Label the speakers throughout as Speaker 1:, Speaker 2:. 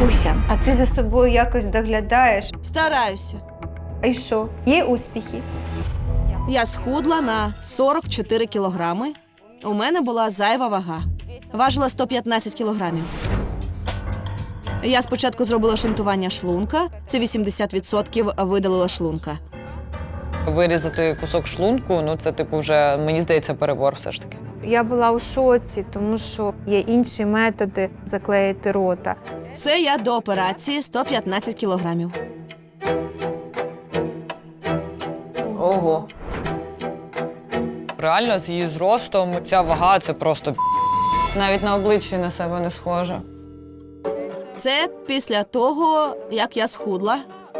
Speaker 1: Буся, а ти за собою якось доглядаєш?
Speaker 2: Стараюся.
Speaker 1: А й що? Є успіхи?
Speaker 2: Я схудла на 44 кілограми. У мене була зайва вага. Важила 115 кілограмів. Я спочатку зробила шунтування шлунка. Це 80% видалила шлунка.
Speaker 3: Вирізати кусок шлунку, ну це типу вже, мені здається, перебор все ж таки.
Speaker 1: Я була у шоці, тому що є інші методи заклеїти рота.
Speaker 2: Це я до операції 115 кілограмів.
Speaker 3: Ого. Реально, з її зростом ця вага – це просто навіть на обличчі на себе не схоже.
Speaker 2: Це після того, як я схудла.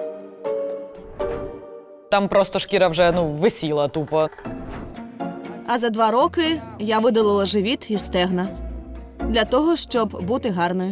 Speaker 3: Там просто шкіра вже, висіла тупо.
Speaker 2: А за 2 роки я видалила живіт і стегна. Для того, щоб бути гарною.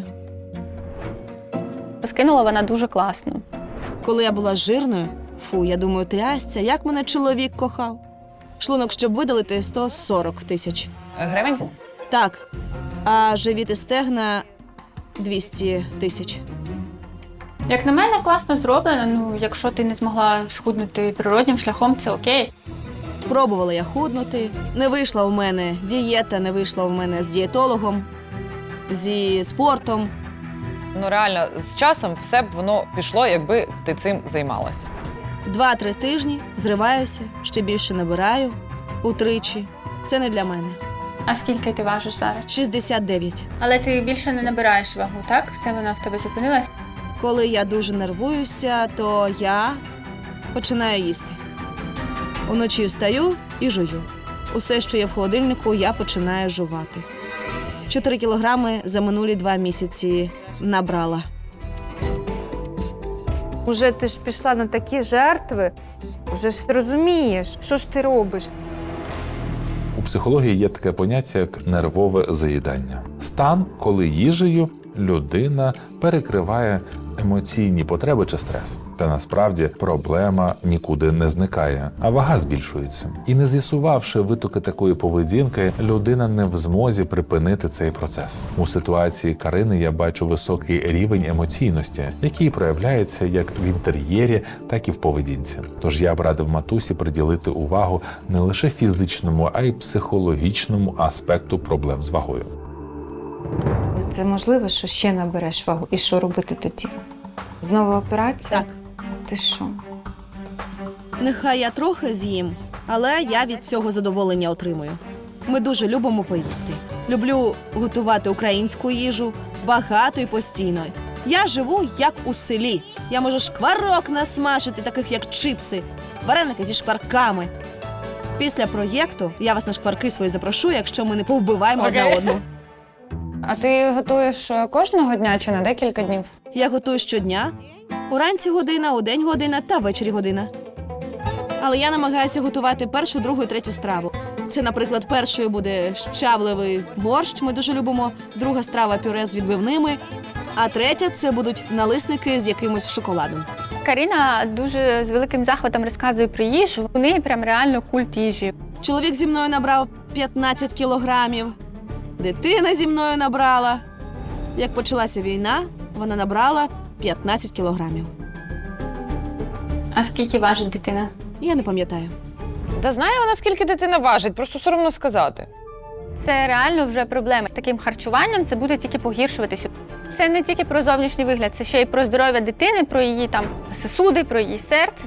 Speaker 4: Скинула вона дуже класно.
Speaker 2: Коли я була жирною, я думаю, трясця, як мене чоловік кохав. Шлунок, щоб видалити, 140 тисяч.
Speaker 3: Гривень?
Speaker 2: Так. А живіт і стегна 200 тисяч.
Speaker 4: Як на мене, класно зроблено. Якщо ти не змогла схуднути природнім шляхом, це окей.
Speaker 2: Пробувала я худнути. Не вийшла в мене дієта, не вийшла в мене з дієтологом, зі спортом.
Speaker 3: Реально, з часом все б воно пішло, якби ти цим займалась.
Speaker 2: 2-3 тижні зриваюся, ще більше набираю утричі. Це не для мене.
Speaker 4: А скільки ти важиш зараз?
Speaker 2: 69.
Speaker 4: Але ти більше не набираєш вагу, так? Все вона в тебе зупинилась?
Speaker 2: Коли я дуже нервуюся, то я починаю їсти. Уночі встаю і жую. Усе, що є в холодильнику, я починаю жувати. 4 кілограми за минулі 2 місяці набрала.
Speaker 1: Уже ти ж пішла на такі жертви, вже ж розумієш, що ж ти робиш.
Speaker 5: У психології є таке поняття, як нервове заїдання. Стан, коли їжею людина перекриває емоційні потреби чи стрес. Та насправді проблема нікуди не зникає, а вага збільшується. І не з'ясувавши витоки такої поведінки, людина не в змозі припинити цей процес. У ситуації Карини я бачу високий рівень емоційності, який проявляється як в інтер'єрі, так і в поведінці. Тож я б радив матусі приділити увагу не лише фізичному, а й психологічному аспекту проблем з вагою.
Speaker 1: Це можливо, що ще набереш вагу? І що робити тоді? Знову операція?
Speaker 2: Так.
Speaker 1: Ти що?
Speaker 2: Нехай я трохи з'їм, але я від цього задоволення отримую. Ми дуже любимо поїсти. Люблю готувати українську їжу, багато і постійно. Я живу як у селі. Я можу шкварок насмажити, таких як чипси, вареники зі шкварками. Після проєкту я вас на шкварки свої запрошу, якщо ми не повбиваємо одне одну.
Speaker 3: А ти готуєш кожного дня чи на декілька днів?
Speaker 2: Я готую щодня. Уранці година, удень година та ввечері година. Але я намагаюся готувати першу, другу і третю страву. Це, наприклад, першою буде щавливий борщ, ми дуже любимо. Друга страва – пюре з відбивними. А третя – це будуть налисники з якимось шоколадом.
Speaker 4: Каріна дуже з великим захватом розказує про їжу. У неї прям реально культ їжі.
Speaker 2: Чоловік зі мною набрав 15 кілограмів. Дитина зі мною набрала. Як почалася війна, вона набрала 15 кілограмів.
Speaker 4: А скільки важить дитина?
Speaker 2: Я не пам'ятаю.
Speaker 3: Та знає вона, скільки дитина важить, просто соромно сказати.
Speaker 4: Це реально вже проблема. З таким харчуванням це буде тільки погіршуватися. Це не тільки про зовнішній вигляд, це ще й про здоров'я дитини, про її сосуди, про її серце.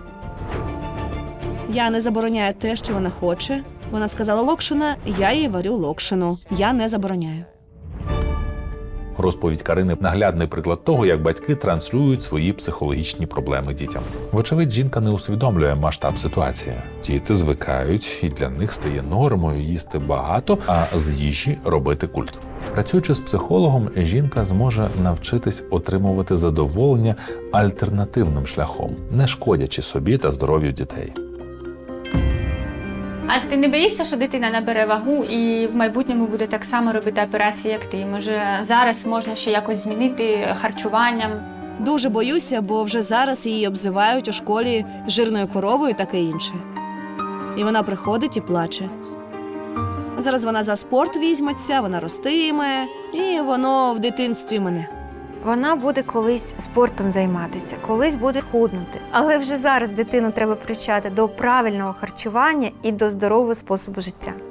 Speaker 2: Я не забороняю те, що вона хоче. Вона сказала локшина, я їй варю локшину. Я не забороняю.
Speaker 5: Розповідь Карини – наглядний приклад того, як батьки транслюють свої психологічні проблеми дітям. Вочевидь, жінка не усвідомлює масштаб ситуації. Діти звикають, і для них стає нормою їсти багато, а з їжі робити культ. Працюючи з психологом, жінка зможе навчитись отримувати задоволення альтернативним шляхом, не шкодячи собі та здоров'ю дітей.
Speaker 4: А ти не боїшся, що дитина набере вагу і в майбутньому буде так само робити операції, як ти? Може, зараз можна ще якось змінити харчуванням?
Speaker 2: Дуже боюся, бо вже зараз її обзивають у школі жирною коровою і таке інше. І вона приходить і плаче. Зараз вона за спорт візьметься, вона ростиме, і воно в дитинстві мене.
Speaker 1: Вона буде колись спортом займатися, колись буде худнути. Але вже зараз дитину треба привчати до правильного харчування і до здорового способу життя.